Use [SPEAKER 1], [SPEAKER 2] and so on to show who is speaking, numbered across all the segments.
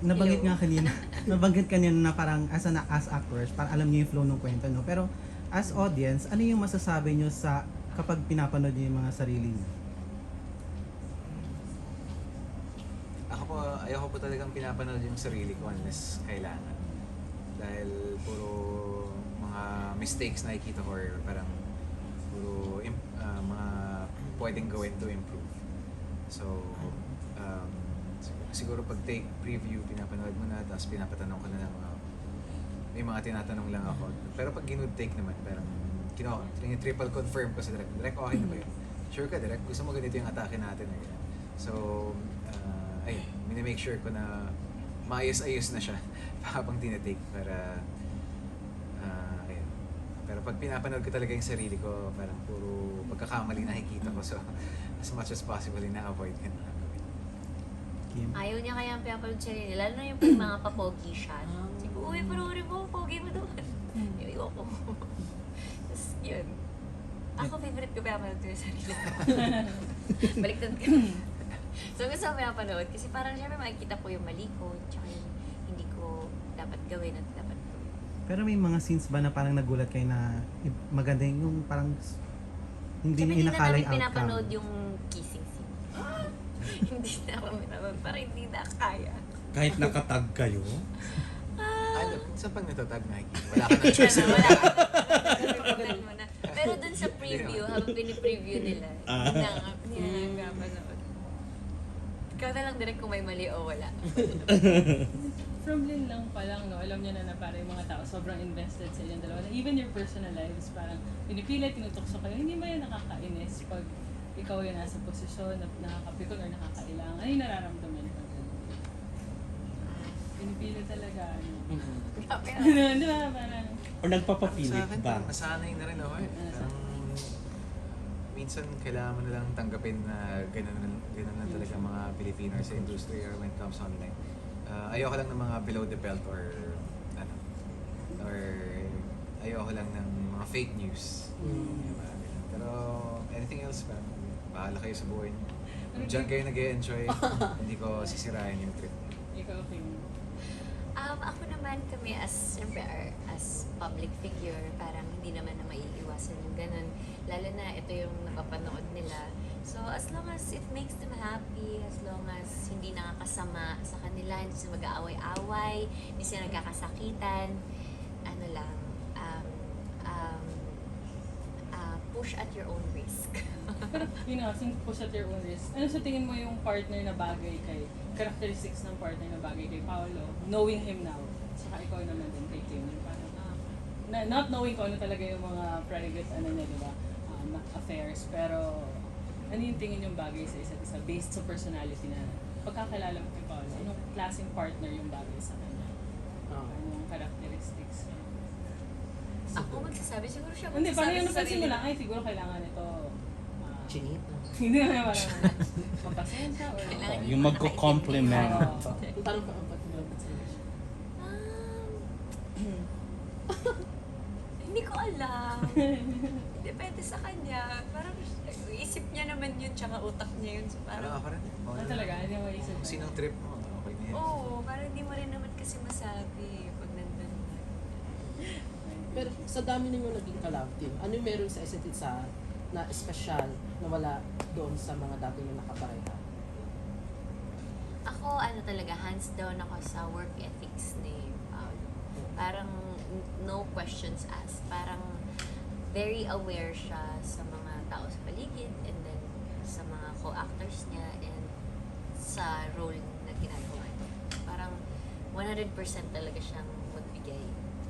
[SPEAKER 1] nabanggit
[SPEAKER 2] Hello.
[SPEAKER 1] nga kanina, nabanggit kanina na parang as actors, parang alam niyo yung flow ng kwento, no? Pero as audience, ano yung masasabi niyo sa kapag pinapanood niyo yung mga sarili niyo?
[SPEAKER 3] Ako po, ayoko po talagang pinapanood yung sarili ko unless kailangan. Dahil puro mga mistakes na nakikita ko or parang puro mga pwedeng gawin to improve. So, siguro pag take preview, pinapanood mo na, tapos pinapatanong ko na lang, may mga tinatanong lang ako. Pero pag ginood take naman, parang triple confirm ko sa direct. Direct, okay na ba yun? Sure ka, direct? Gusto mo ganito yung atake natin. Eh. So, ayun, minimake sure ko na maayos-ayos na siya habang tinatake para ayun. Pero pag pinapanood ko talaga yung sarili ko, parang puro pagkakamali nakikita ko. So, as much as possible, ina-avoid ko na gawin.
[SPEAKER 1] Kim?
[SPEAKER 2] Ayaw niya kaya ang pinapanood siya rin. Lalo na yung pag mga papogi shot. Sabi ko, uy, panoorin mo, pogi mo doon. Yung ko. Tapos yun. Ako, favorite ko pinapanood ko yung sarili ko. Baliktad ka. So gusto ko pinapanood kasi parang syempre makikita ko yung mali ko tsaka yung hindi ko dapat gawin at dapat gawin.
[SPEAKER 1] Pero may mga scenes ba na parang nagulat kayo na maganda yung parang hindi
[SPEAKER 2] Siyempre,
[SPEAKER 1] na inakala
[SPEAKER 2] namin
[SPEAKER 1] yung
[SPEAKER 2] pinapanood
[SPEAKER 1] outcome?
[SPEAKER 2] yung kissing scene. Hindi na kami pinapanood. Parang hindi na kaya.
[SPEAKER 4] Kahit nakatag kayo?
[SPEAKER 3] Ano, sa pag natatag nakikita, wala ka ng choice.
[SPEAKER 2] Wala ka. Pinapanood mo na. Pero dun sa preview, habang pinipreview nila, hindi na panood. Ikaw na lang direct kung may mali o wala.
[SPEAKER 5] From Lin lang pa lang, no, alam niya na parang yung mga tao sobrang invested sa inyong dalawa. Even your personal lives, parang pinipilit, tinutukso kayo. Hindi ba yan nakakainis pag ikaw yung nasa posisyon na nakakapikon or nakakailangan? Ano yung nararamdaman ko? Pinipilit talaga, ano.
[SPEAKER 2] Grabe na.
[SPEAKER 5] Di ba, parang...
[SPEAKER 4] Or nagpapapilit
[SPEAKER 3] Sa akin,
[SPEAKER 4] ba?
[SPEAKER 3] parang masanay na rin ako eh. Parang, minsan kailangan mo na lang tanggapin na ganun na talaga mga Pilipino sa industry or when it comes online. Ayoko lang ng mga below the belt or ayoko lang ng mga fake news. Yung mga ganun. Pero anything else pa, bahala kayo sa buhay niyo. Kung dyan kayo nag-e-enjoy, hindi ko sisirain yung trip.
[SPEAKER 5] Ikaw, Kim.
[SPEAKER 2] Ako naman kami siyempre, as public figure, parang hindi naman na maiiwasan yung ganun. Lalo na ito yung napapanood nila. So, as long as it makes them happy, as long as hindi nakakasama sa kanila, hindi sila mag-aaway-away, hindi sila nagkakasakitan, ano lang, push at your own risk.
[SPEAKER 5] Pero, yun nga, since push at your own risk, ano sa tingin mo yung partner na bagay kay, characteristics ng partner na bagay kay Paolo, knowing him now, saka ikaw naman din kay Kim, yung parang, not knowing ko ano talaga yung mga private, ano niya, di ba, affairs, pero, ano yung tingin yung bagay sa isa't isa, based sa personality na, pagkakilala mo kay Paolo, anong klaseng partner yung bagay sa kanya? Anong characteristics?
[SPEAKER 2] Ako magsasabi, siguro siya
[SPEAKER 5] Hindi, parang yung
[SPEAKER 2] magsasabi sa
[SPEAKER 5] napansin mo
[SPEAKER 2] sarili.
[SPEAKER 5] lang, ay, siguro kailangan ito,
[SPEAKER 6] Chinita.
[SPEAKER 5] hindi naman parang mapasensya or
[SPEAKER 2] Kailangan
[SPEAKER 4] Yung magko-compliment.
[SPEAKER 6] Parang pakapag-malapit sa iyo.
[SPEAKER 2] Hindi ko alam. Depende sa kanya. Parang isip niya naman yun, tsaka utak niya yun. So,
[SPEAKER 3] Parang
[SPEAKER 2] parang,
[SPEAKER 3] ako rin. Okay
[SPEAKER 5] Ah,
[SPEAKER 3] lang.
[SPEAKER 5] talaga? Hindi mo isip.
[SPEAKER 3] Kung sinong trip mo, okay na yan.
[SPEAKER 2] oo, parang hindi mo rin naman kasi masabi pag nandun.
[SPEAKER 6] Pero sa dami ninyo naging collab team, ano yung meron sa isa't isa na espesyal na wala doon sa mga dati na nakapareha?
[SPEAKER 2] Ako, talaga, hands down ako sa work ethics ni Paolo. Parang no questions asked. Parang very aware siya sa mga tao sa paligid and then sa mga co-actors niya and sa role na ginagawa niya. Parang 100% talaga siyang magbigay.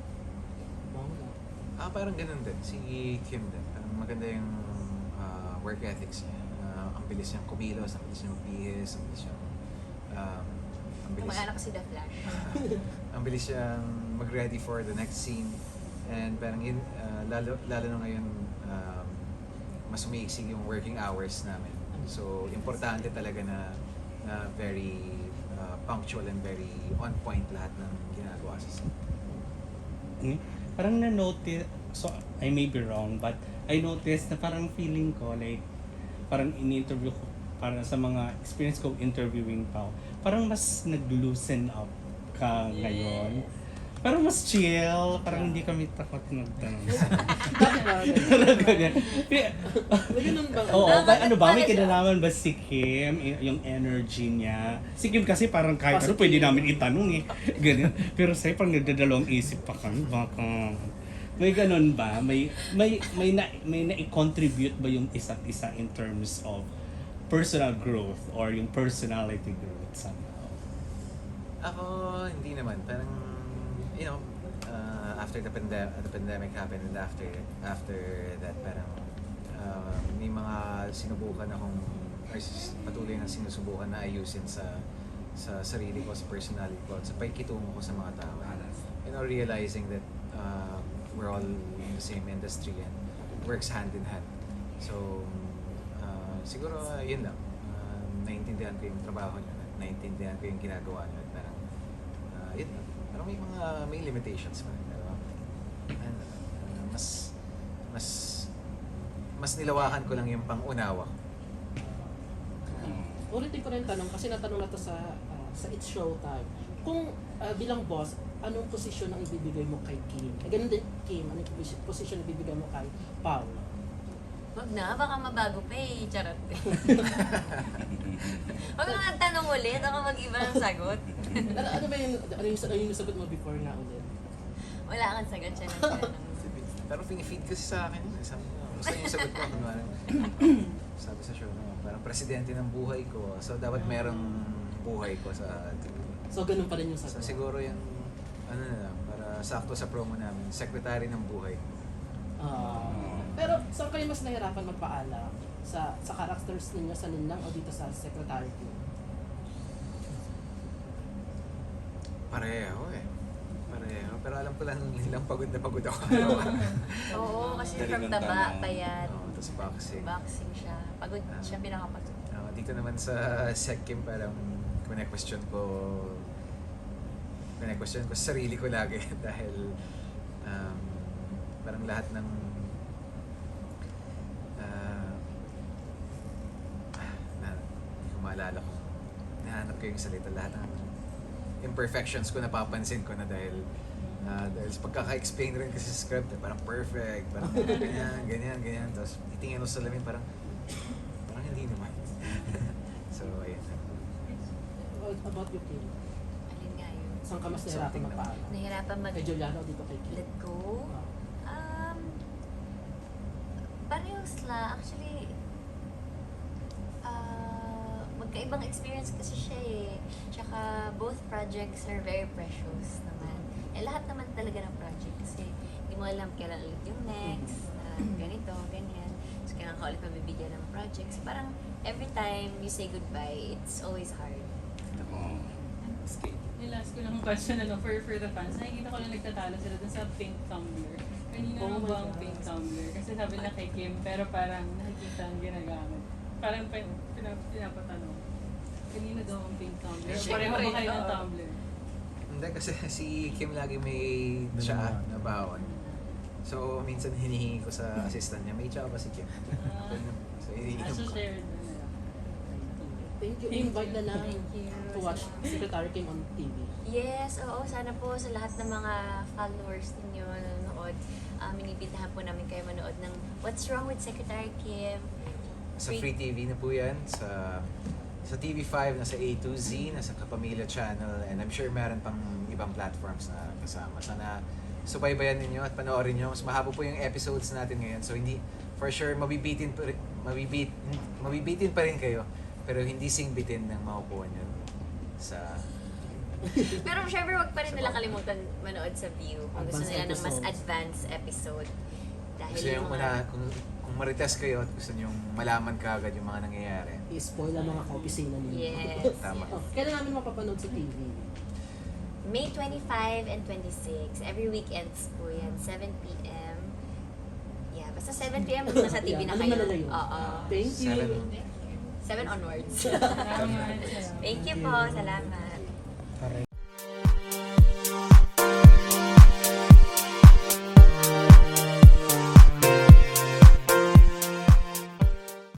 [SPEAKER 3] Parang ganun din. Si Kim din. Parang maganda yung work ethics niya. Ang bilis niyang kumilos, ang bilis niyang magbihis, ang bilis niyang
[SPEAKER 2] Kamag-anak ko si The Flash.
[SPEAKER 3] ang bilis siyang mag-ready for the next scene. And parang yun, lalo na ngayon, mas umiiksig yung working hours namin. So, importante talaga na very punctual and very on point lahat ng ginagawa sa scene.
[SPEAKER 4] Parang na-notice, so I may be wrong, but I noticed na parang feeling ko, like, parang in-interview ko, para sa mga experience ko interviewing pa, parang mas nag-loosen up ka ngayon. Parang mas chill, parang hindi kami takot magtanong. Talaga ganyan.
[SPEAKER 6] Ganun ba?
[SPEAKER 4] Oo, ano ba, may kinalaman ba si Kim, yung energy niya? Si Kim kasi parang kahit ano,
[SPEAKER 6] Positive.
[SPEAKER 4] pwede namin itanong eh. Ganyan. Pero sa'yo, parang nagdadalawang isip pa kami, baka... May ganun ba? May na-contribute ba yung isa't isa in terms of personal growth or yung personality growth somehow?
[SPEAKER 3] Ako, hindi naman. Parang, you know, after the pandemic happened and after that, parang may mga sinubukan akong, or patuloy na sinusubukan na ayusin sa sarili ko, sa personality ko, at sa pagkitungo ko sa mga tao. You know, realizing that we're all in the same industry and works hand in hand. So, siguro yun lang. Naiintindihan ko yung trabaho niyo, naiintindihan ko yung ginagawa niyo. At parang, yun lang. Parang may limitations pa. Pero, and, mas nilawakan ko lang yung pang-unawa ko.
[SPEAKER 6] Ulitin ko rin yung tanong kasi natanong na to sa It's Showtime. Kung bilang boss, anong posisyon ang ibibigay mo kay Kim? Ganun din, Kim, anong posisyon ang ibibigay mo kay Paul?
[SPEAKER 2] Wag na, baka mabago pa eh. Charot. Wag nga tanong ulit, ako mag-iba ng sagot.
[SPEAKER 6] Ano ba yung nasagot mo before nga ulit?
[SPEAKER 2] Wala kang sagot siya ng tanong.
[SPEAKER 3] Pero pinifeed kasi sa akin yun. Sabi ko, gusto niyo yung sagot ko. Kunwari, sabi sa show na, parang presidente ng buhay ko. So, dapat merong buhay ko sa
[SPEAKER 6] So, ganun pa rin yung
[SPEAKER 3] So,
[SPEAKER 6] sagot.
[SPEAKER 3] siguro yung, ano na lang, para sakto sa promo namin, secretary ng buhay ko.
[SPEAKER 6] Pero saan kayo mas nahirapan magpaalam? Sa characters ninyo, sa Ninlang o dito sa secretary ko?
[SPEAKER 3] Pareho eh. Pareho. Pero alam ko lang nilang pagod na pagod ako.
[SPEAKER 2] Oo, kasi
[SPEAKER 4] Dali
[SPEAKER 2] from
[SPEAKER 4] ng
[SPEAKER 2] taba
[SPEAKER 4] tanong.
[SPEAKER 2] pa yan.
[SPEAKER 3] Tapos boxing.
[SPEAKER 2] Boxing siya. Pagod siya, pinakapagod.
[SPEAKER 3] Dito naman sa Seckim, parang kine-question ko sa sarili ko lagi dahil parang lahat ng hindi ko maalala ko, nahanap ko yung salita, lahat ng imperfections ko napapansin ko na dahil sa pagkaka-explain rin kasi sa script, parang perfect, parang ganyan, tapos titingin ko sa salamin, parang hindi naman. So, ayun.
[SPEAKER 6] About you, Kim?
[SPEAKER 2] Alin nga yun?
[SPEAKER 6] Saan ka mas nahirapan
[SPEAKER 3] Something naman.
[SPEAKER 6] magpaalam?
[SPEAKER 2] Nahirapan
[SPEAKER 6] Kay Juliana o dito kay Kim?
[SPEAKER 2] let go. Parehos la. Actually, magkaibang experience kasi siya eh. Tsaka both projects are very precious naman. Lahat naman talaga ng project kasi hindi mo alam kailan ulit yung next, ganito, ganyan. So, kailangan ka ulit mabibigyan ng projects. Parang every time you say goodbye, it's always hard.
[SPEAKER 5] Yung last ko lang question, for the fans, nakikita ko lang nagtatalo sila dun sa pink tumbler. Kanina
[SPEAKER 6] Oh
[SPEAKER 5] lang
[SPEAKER 6] my
[SPEAKER 5] ba ang
[SPEAKER 6] God.
[SPEAKER 5] pink tumbler? Kasi sabi na kay Kim, pero parang nakikita ang ginagamit. Parang pinapatanong. Kanina daw ang pink tumbler.
[SPEAKER 2] Siyempre,
[SPEAKER 5] Pareho ba kayo ng
[SPEAKER 2] oo.
[SPEAKER 5] tumbler?
[SPEAKER 3] Hindi kasi si Kim lagi may tsaa na bawon. So, minsan hinihingi ko sa assistant niya, may tsaa ba si Kim? So, hinihingi
[SPEAKER 5] So,
[SPEAKER 3] ko.
[SPEAKER 5] shared na nila.
[SPEAKER 6] Thank you. Invite na lang
[SPEAKER 2] Thank you.
[SPEAKER 6] to watch Secretary Kim on TV.
[SPEAKER 2] Yes, oo. Sana po sa lahat ng mga followers ninyo nanonood, inibitahan po namin kayo manood ng What's Wrong with Secretary Kim?
[SPEAKER 3] Sa Free TV na po yan, sa TV5, nasa A to Z, nasa Kapamilya Channel, and I'm sure meron pang ibang platforms na kasama. Sana subaybayan ninyo at panoorin nyo. Mas mahaba po yung episodes natin ngayon, so hindi, for sure, mabibitin pa rin kayo, pero hindi singbitin ng makukuha nyo sa...
[SPEAKER 2] Pero syempre, wag pa rin nila kalimutan manood sa View kung gusto
[SPEAKER 6] Advanced
[SPEAKER 2] nila ng mas
[SPEAKER 6] episodes.
[SPEAKER 2] advanced episode. Dahil
[SPEAKER 3] Gusto
[SPEAKER 2] yung
[SPEAKER 3] nyo kung marites kayo at gusto nyo malaman kaagad yung mga nangyayari.
[SPEAKER 6] I-spoil ang mga kaopisina ninyo.
[SPEAKER 2] Yes.
[SPEAKER 3] Tama.
[SPEAKER 6] Oh, kailan namin mapapanood sa TV?
[SPEAKER 2] May 25 and 26. Every weekends po yan. 7 p.m. Yeah, basta 7 p.m. nasa TV
[SPEAKER 6] Yeah,
[SPEAKER 2] na
[SPEAKER 6] ano
[SPEAKER 2] kayo.
[SPEAKER 6] na yun?
[SPEAKER 2] Oo.
[SPEAKER 6] Thank you.
[SPEAKER 3] 7.
[SPEAKER 2] 7 onwards.
[SPEAKER 5] Salamat.
[SPEAKER 2] Thank you po. Salamat.